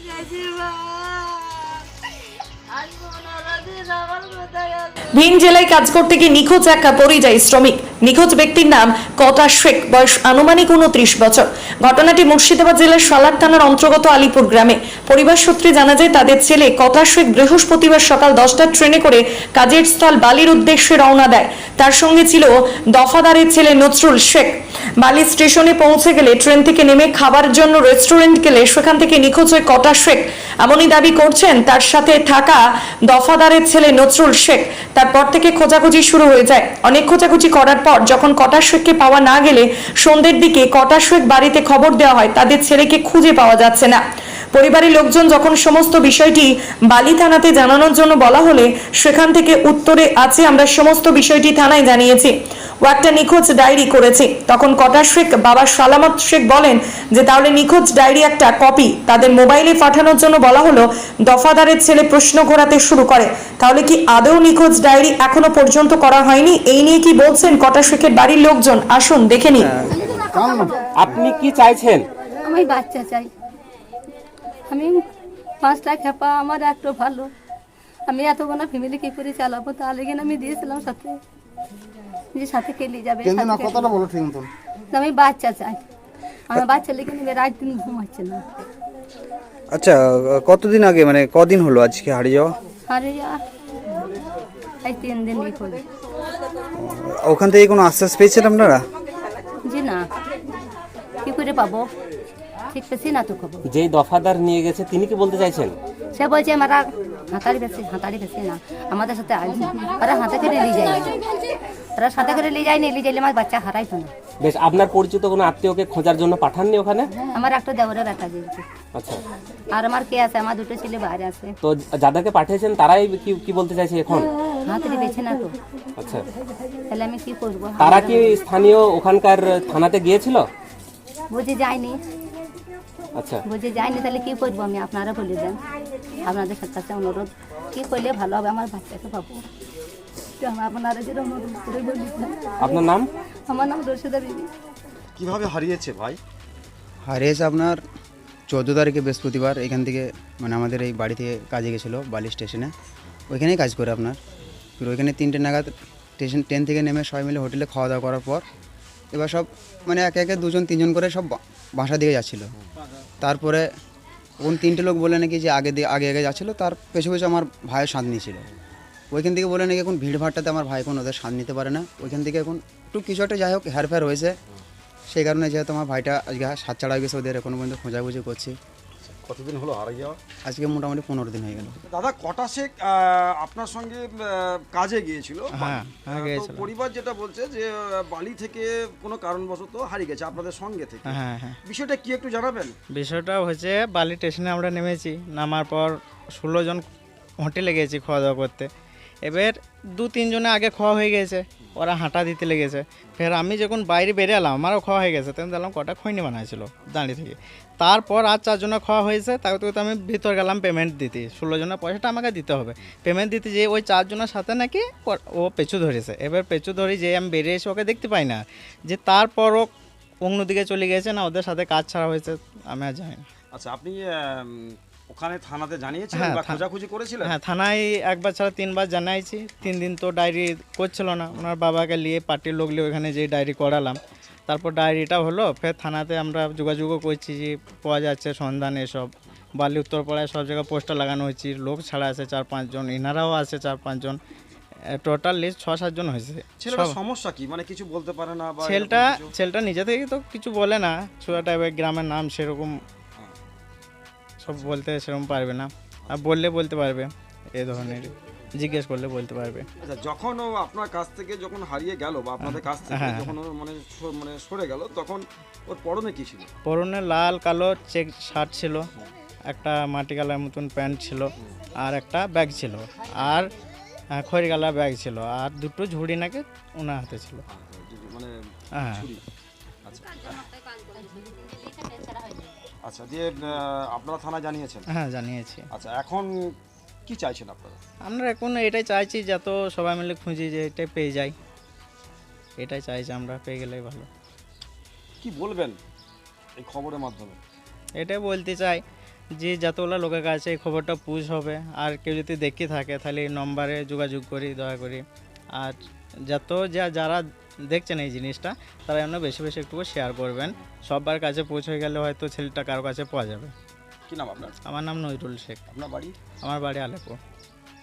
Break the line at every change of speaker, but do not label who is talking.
ভিন জেলায় কাজ করতে গিয়ে নিখোঁজ এক পরিযায়ী শ্রমিক। নিখোঁজ ব্যক্তির নাম কটা শেখ, বয়স আনুমানিক 29 বছর। ঘটনাটি মুর্শিদাবাদ জেলার সালার থানার অন্তর্গত আলিপুর গ্রামে। পরিবার সূত্রে জানা যায় তাদের ছেলে কটা শেখ বৃহস্পতিবার সকাল 10টার ট্রেনে করে কাজের স্থল বালির উদ্দেশ্যে রওনা দেয়। তার সঙ্গে ছিল দফাদারের ছেলে নজরুল শেখ। বালি স্টেশনে পৌঁছে গেলে ট্রেন থেকে নেমে খাবার জন্য রেস্টুরেন্ট গেলে সেখান থেকে নিখোঁজ হয় কটা শেখ। এমনই দাবি করছেন তার সাথে থাকা দফাদারের ছেলে নজরুল শেখ। তারপর থেকে খোঁজাখুঁজি শুরু হয়ে যায়। অনেক খোঁজাখুঁজি করার পর যখন কটা শেখকে পাওয়া না গেলে সন্ধ্যের দিকে কটা শেখ বাড়িতে খবর দেওয়া হয় তাদের ছেলেকে খুঁজে পাওয়া যাচ্ছে না। পরিবারের লোকজন যখন সমস্ত বিষয়টি বালি থানাতে জানানোর জন্য বলা হলে সেখান থেকে উত্তরে আছে আমরা সমস্ত বিষয়টি থানায় জানিয়েছি, ও একটা নিখোঁজ ডায়েরি করেছি। তখন কটা শেখ বাবা সালামত শেখ বলেন যে তাহলে নিখোঁজ ডায়েরি একটা কপি তাদের মোবাইলে পাঠানোর জন্য বলা হলো। দফাদারের ছেলে প্রশ্ন ঘোরাতে শুরু করে, তাহলে কি আদৌ নিখোঁজ ডায়েরি এখনো পর্যন্ত করা হয়নি? এই নিয়ে কি বলছেন কটা শেখের বাড়ির লোকজন, আসুন দেখে নিন।
আপনি কি চাইছেন?
আমি বাচ্চা চাই। আমি 5টা খেপা, আমার একটু ভালো। আমি এতগুলো ফ্যামিলি কি করে চালাবো? তাহলে কিনা আমি দিয়েছিলাম সাথে, যে সাথে খেলে যাবে। আমি বাচ্চা চাই। আমার বাচ্চা লেগে নেবে, রাত দিন ঘুমাচ্ছে না।
আচ্ছা, কতদিন আগে মানে কদিন হলো আজকে হারিয়ে যাওয়া?
হারিয়ে যাওয়া এই 3 দিন করে।
ওখান থেকে কোনো আশ্বাস পেয়েছেন আপনারা?
জি না, কি করে পাবো? ঠিক পেছি না তো খবর।
যেই দফাদার নিয়ে গেছে তিনি কি বলতে চাইছেন?
সে বলছে আমরা হাতাড়ি বেশি না, আমাদের সাথে ওরা হাতে করে নিয়ে যায়, ওরা সাথে করে নিয়ে যায়নি, নিয়ে যাইলে আমার বাচ্চা হারাইতো না।
বেশ, আপনার পরিচিত কোনো আত্মীয়কে খোঁজার জন্য পাঠাননি ওখানে?
আমার একটা দেওয়ারের ব্যথা দিয়েছে।
আচ্ছা,
আর আমার কে আছে? আমার 2টো ছেলে বাইরে আছে।
তো যাদেরকে পাঠিয়েছেন তারাই কি বলতে চাইছে এখন?
হাতে বেছে না তো।
আচ্ছা,
তাহলে আমি কি করবো?
তারা কি স্থানীয় ওখানকার থানাতে গিয়েছিল?
বুঝে যায়নি।
আচ্ছা,
বুঝে যায়নি, তাহলে কি করবো? আমি আপনারা বলে দেন, আপনাদের কাছে অনুরোধ, কি করলে ভালো হবে? আমার বাচ্চাকে পাবো, আপনারা যেটা অনুরোধ করে বলি।
আপনার নাম?
আমার নাম রশিদা বিবি।
কিভাবে হারিয়েছে ভাই?
হারিয়েছে আপনার 14 তারিখে বৃহস্পতিবার। এখান থেকে মানে আমাদের এই বাড়ি থেকে কাজে গেছিলো বালি স্টেশনে, ওইখানেই কাজ করে আপনার। ফির ওইখানে 3টে নাগাদ ট্রেন থেকে নেমে সবাই মিলে হোটেলে খাওয়া দাওয়া করার পর এবার সব মানে একে একে 2জন 3জন করে সব বাসা দিকে যাচ্ছিলো। তারপরে কোন 3টে লোক বলে নাকি যে আগে যাচ্ছিলো, তার পেছু পেছু আমার ভাইয়ের সাথ নিয়েছিল। ওইখান থেকে বলে নাকি এখন ভিড়ভাড়টাতে আমার ভাই এখন ওদের সাথ নিতে পারে না। ওইখান থেকে এখন একটু কিছু একটা যাই হোক হেরফের হয়েছে, সেই কারণে যেহেতু আমার ভাইটা আজকে সাত ছাড়া গেছে, ওদের এখনো পর্যন্ত খোঁজাখুঁজি করছি।
কতদিন হলো হারিয়ে যাওয়া?
আজকে মোটামুটি 15 দিন হয়ে গেল।
দাদা, কটা শেখ আপনার সঙ্গে কাজে গিয়েছিল?
হ্যাঁ,
তো পরিবার যেটা বলছে যে বালি থেকে কোনো কারণবশত হারিয়ে গেছে আপনাদের সঙ্গে থেকে।
হ্যাঁ,
বিষয়টা কি একটু জানাবেন?
বিষয়টা হচ্ছে বালি স্টেশনে আমরা নেমেছি, নামার পর 16 জন হোটেলে গেছি খাওয়া দাওয়া করতে। এবার 2-3 জনে আগে খাওয়া হয়ে গেছে, ওরা হাঁটা দিতে লেগেছে। ফের আমি যখন বাইরে বেরিয়ে এলাম, আমারও খাওয়া হয়ে গেছে, তখন দেখলাম কটা খৈনি বানাইছিল দাঁড়িয়ে থেকে। তারপর আর 4 জনের খাওয়া হয়েছে, তাকে তো আমি ভিতর গেলাম পেমেন্ট দিতে। 16 জনের পয়সাটা আমাকে দিতে হবে। পেমেন্ট দিতে যেয়ে ওই 4 জনের সাথে নাকি ও পেছু ধরেছে। এবার পেছু ধরে যে আমি বেরিয়ে এসে ওকে দেখতে পাই না, যে তারপরও অন্যদিকে চলে গেছে না, ওদের সাথে কাজ ছাড়া হয়েছে, আমি আর জানি না।
আচ্ছা, আপনি ওখানে থানাতে জানিয়েছিলেন বা খোঁজাখুঁজি করেছিলেন?
হ্যাঁ, থানায় 1বার ছাড়া 3বার জানাইছি। 3 দিন তো ডায়েরি করছিল না, ওনার বাবাকে নিয়ে পার্টির লোক নিয়ে ওখানে যে ডায়েরি করালাম, তারপর ডায়েরিটা হলো। ফের থানাতে আমরা যোগাযোগও করছি যে পাওয়া যাচ্ছে সন্ধান। এসব বালি উত্তরপাড়ায় সব জায়গায় পোস্টার লাগানো হয়েছে, লোক ছাড়া আছে 4-5 জন, এনারাও আছে 4-5 জন, টোটাল লিস্ট 6-7 জন হয়েছে।
ছেলেটার সমস্যা কি, মানে কিছু বলতে পারে না? বা
ছেলেটা নিজে থেকে তো কিছু বলে না, ছোটা টাইপের, গ্রামের নাম সেরকম সব বলতে সেরকম পারবে না, আর বললে বলতে পারবে, এই ধরনের জিজ্ঞেস করলে বলতে পারবে।
আচ্ছা, যখন ও আপনার কাছ থেকে যখন হারিয়ে গেল বা আপনাদের কাছ থেকে যখন ও মানে সরে গেল, তখন ওর পরনে কি ছিল?
পরনে লাল কালো চেক শার্ট ছিল, একটা মাটি কালার মতন প্যান্ট ছিল, আর একটা ব্যাগ ছিল, আর খড়ি কালার ব্যাগ ছিল, আর 2টো ঝুড়ি নাকি ওনার হাতে ছিল।
মানে
হ্যাঁ।
আচ্ছা, দিয়ে আপনারা থানা জানিয়েছেন?
হ্যাঁ, জানিয়েছি।
আচ্ছা, এখন কি চাইছেন আপনারা?
আমরা এখন এটাই চাইছি, যত সবাই মিলে খুঁজি যে এটাই পেয়ে যাই, এটাই চাইছি আমরা, পেয়ে গেলেই ভালো।
কি বলবেন এই খবরের মাধ্যমে?
এটাই বলতে চাই যে যতগুলো লোকের কাছে এই খবরটা পুশ হবে, আর কেউ যদি দেখে থাকে তাহলে এই নম্বরে যোগাযোগ করি দয়া করি। আর যারা দেখছেন এই জিনিসটা তারা যেন বেশি বেশি একটু শেয়ার করবেন, সবার কাছে পৌঁছে গেলে হয়তো ছেলেটা কারো কাছে পাওয়া যাবে।
কি নাম আপনার?
আমার নাম নজরুল শেখ,
আপনার বাড়ি?
আমার বাড়ি আলেপুর।